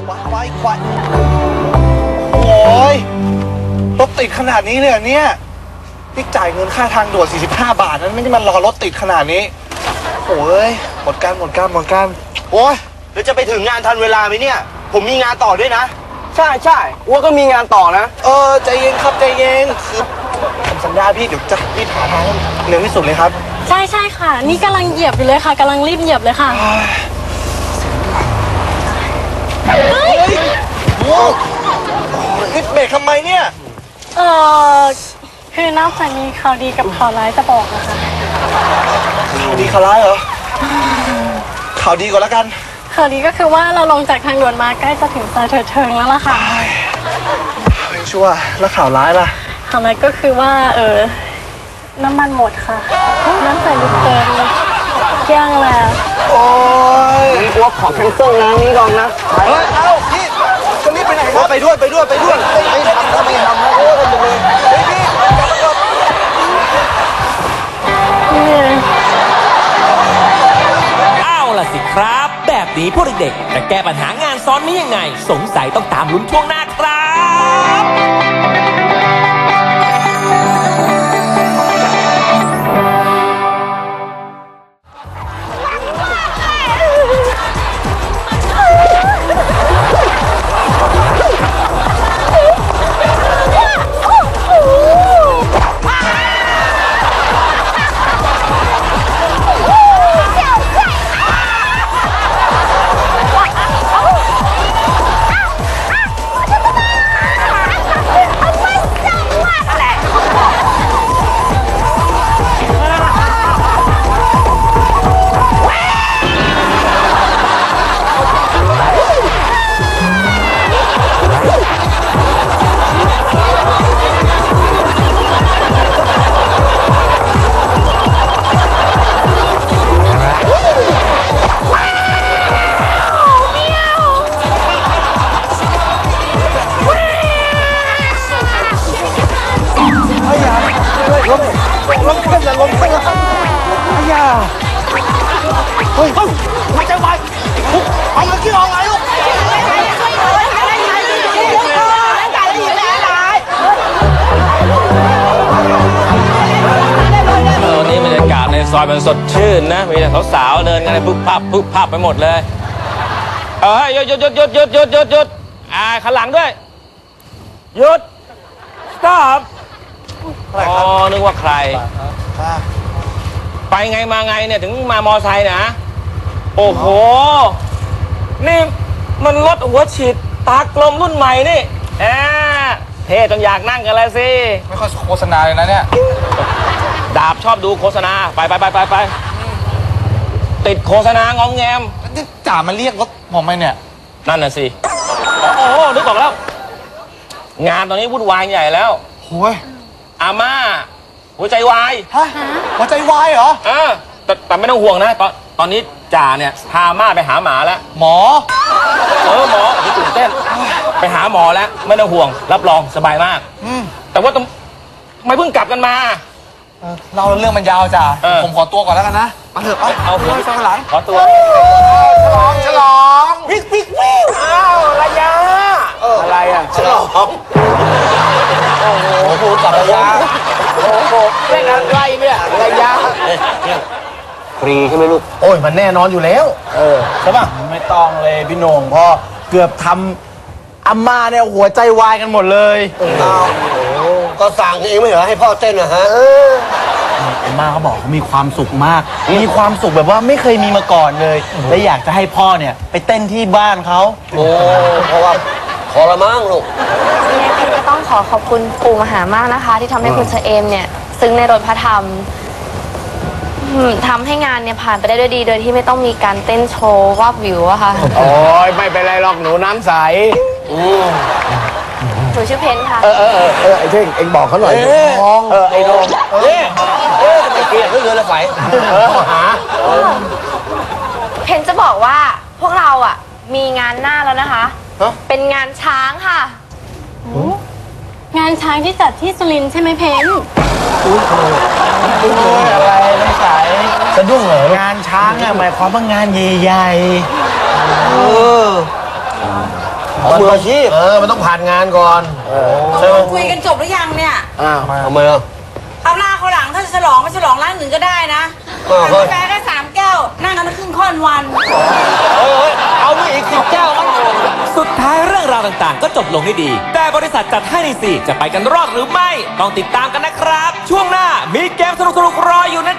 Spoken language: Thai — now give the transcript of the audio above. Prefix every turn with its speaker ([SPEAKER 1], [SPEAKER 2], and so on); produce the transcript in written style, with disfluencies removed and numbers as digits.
[SPEAKER 1] ควายโอ้ยรถติดขนาดนี้เลยเนี่ยนี่จ่ายเงินค่าทางด่วน45 บาทนั้นไม่ได้มารอรถติดขนาดนี้โอ้ยหมดการโอ้ยแล้วจะไปถึงงานทันเวลาไหมเนี่ยผมมีงานต่อด้วยนะ
[SPEAKER 2] ใช่อ้วก็มีงานต่อนะ
[SPEAKER 1] ใจเย็นครับใจเย็นคือผมสัญญาพี่เดี๋ยวจะรีบหาทางเร็วที่สุดเลยครับ
[SPEAKER 3] ใช่ค่ะนี่กำลังเหยียบอยู่เลยค่ะกำลังรีบเหยียบเลยค่ะ
[SPEAKER 1] นี่เบรกทำไมเนี่ย
[SPEAKER 3] คือนอกจากมีข่าวดีกับข่าวร้ายจะบอกนะคะ
[SPEAKER 1] ข่าวดีข่าวร้ายเหรอข่าวดีก่อนแล้วกัน
[SPEAKER 3] ข่าวดีก็คือว่าเราลงจากทางด่วนมาใกล้จะถึงซอยเถิดเทิงแล้วล่ะค่ะ
[SPEAKER 1] ชัวร์แล้วข่าวร้ายล่ะ
[SPEAKER 3] ข่าวร้ายก็คือว่าน้ำมันหมดค่ะน้ำใส่ลูกเติมเกลี้ยงแล้ว
[SPEAKER 1] โอ้ย
[SPEAKER 2] อ้วขอแคนเซิลงานนี้ก่อนนะ
[SPEAKER 1] พี่จะรีบไปไหนครับไปด้วยไม่ทำนะโอ้ยหมดเลย
[SPEAKER 4] เอาล่ะสิครับแบบนี้พวกเด็กๆจะแก้ปัญหางานซ้อนนี้ยังไงสงสัยต้องตามลุ้นช่วงหน้าครับ
[SPEAKER 1] ไม่ใจไวเอาเงินที่ออกไงลูก
[SPEAKER 4] นี่บรรยากาศในซอยมันสดชื่นนะมีแต่สาวๆเดินกันเลยปุ๊บพับไปหมดเลยหยุดข้างหลังด้วยหยุด stop อ๋อนึกว่าใครไปไงมาไงเนี่ยถึงมามอไซค์นะโอ้โหนี่มันรถหัวฉีดตากลมรุ่นใหม่นี่เท่จนอยากนั่งกันเลยสิ
[SPEAKER 1] ไม่ค่อยโฆษณาเลยนะเนี่ย
[SPEAKER 4] ดาบชอบดูโฆษณาไปติดโฆษณางอมแงม
[SPEAKER 1] นี่จ่ามาเรียกรถผมไหมเนี่ย
[SPEAKER 4] นั่นน่ะสิโอ้โหนึกออกแล้วงานตอนนี้วุ่นวายใหญ่แล้ว
[SPEAKER 1] โอ้ย
[SPEAKER 4] อาม่าหัวใจวาย
[SPEAKER 1] ฮะหัวใจวายเหรอ
[SPEAKER 4] แต่ไม่ต้องห่วงนะตอนนี้จ่าเนี่ยพาม่าไปหาหมาแล้ว
[SPEAKER 1] หมอ
[SPEAKER 4] หมอที่ตื่นเต้นไปหาหมอแล้วไม่ต้องห่วงรับรองสบายมากแต่ว่าไม่เพิ่งกลับกันมา
[SPEAKER 1] เราเรื่องมันยาวจ่าผมขอตัวก่อนแล้วกันนะมาเถอะ
[SPEAKER 4] เอาหัว
[SPEAKER 1] ข้างหลัง
[SPEAKER 4] ขอตัว
[SPEAKER 1] ฉลองวิก
[SPEAKER 4] อ้าวระยะ
[SPEAKER 1] อะไรฉลองโอ้โหจับระยะ
[SPEAKER 4] โอ้โหเล่นอะไรเนี่ยระยะ
[SPEAKER 2] ฟรีใช่ไหมลูก
[SPEAKER 1] โอ้ยมันแน่นอนอยู่แล้ว
[SPEAKER 2] ใช่ป่ะ
[SPEAKER 1] ไม่ต้องเลยพี่โหน่งพ่อเกือบทำอาม่าเนี่ยหัวใจวายกันหมดเลย
[SPEAKER 2] ก็สั่งเองไม่เหรอให้พ่อเต้นนะฮะ
[SPEAKER 1] อาม่าเขาบอกเขามีความสุขมากมีความสุขแบบว่าไม่เคยมีมาก่อนเลยและอยากจะให้พ่อเนี่ยไปเต้นที่บ้านเขา
[SPEAKER 2] เพราะว่าขอละมั้งลูก
[SPEAKER 5] ก็ต้องขอบคุณปู่มหามากนะคะที่ทำให้คุณเชเอมเนี่ยซึ้งในรถพระธรรมทำให้งานเนี่ยผ่านไปได้ด้วยดีโดยที่ไม่ต้องมีการเต้นโชว์วาบวิวอะค่ะ
[SPEAKER 2] โอ้ยไม่เป็นไรหรอกหนูน้ำใส
[SPEAKER 5] หนูชื่อเพนค่ะ
[SPEAKER 2] ไอ้เท่งเอ็งบอกเขาหน่อยไอ้โดมไอ้เกียร์เรือละไฟ
[SPEAKER 5] เพนจะบอกว่าพวกเราอะมีงานหน้าแล้วนะคะเป็นงานช้างค่ะ
[SPEAKER 3] งานช้างที่จัดที่สุรินทร์ใช่ไหมเพน
[SPEAKER 1] อะไรน้ำใสสะดุ้งเหรองานช้างอะหมายความว่างานใหญ่
[SPEAKER 2] มืออาชีพมันต้องผ่านงานก่อนใช่ไหม
[SPEAKER 6] คุยกันจบหรือยังเนี่ย
[SPEAKER 2] ทำไมอ่ะ
[SPEAKER 6] เอาหน้าเขาหลังถ้าจะฉลองก็ฉลองร้านอื่นก็ได้นะกาแฟแค่3 แก้ว นั่งกันครึ่งค่อนวัน
[SPEAKER 2] เอาไปอีก10 แก้วมั้ง
[SPEAKER 7] สุดท้ายเรื่องราวต่างๆ ก็จบลงด้วยดี แต่บริษัทจัดให้ใน4จะไปกันรอดหรือไม่ ต้องติดตามกันนะครับ ช่วงหน้ามีเกมสนุกๆรออยู่นะ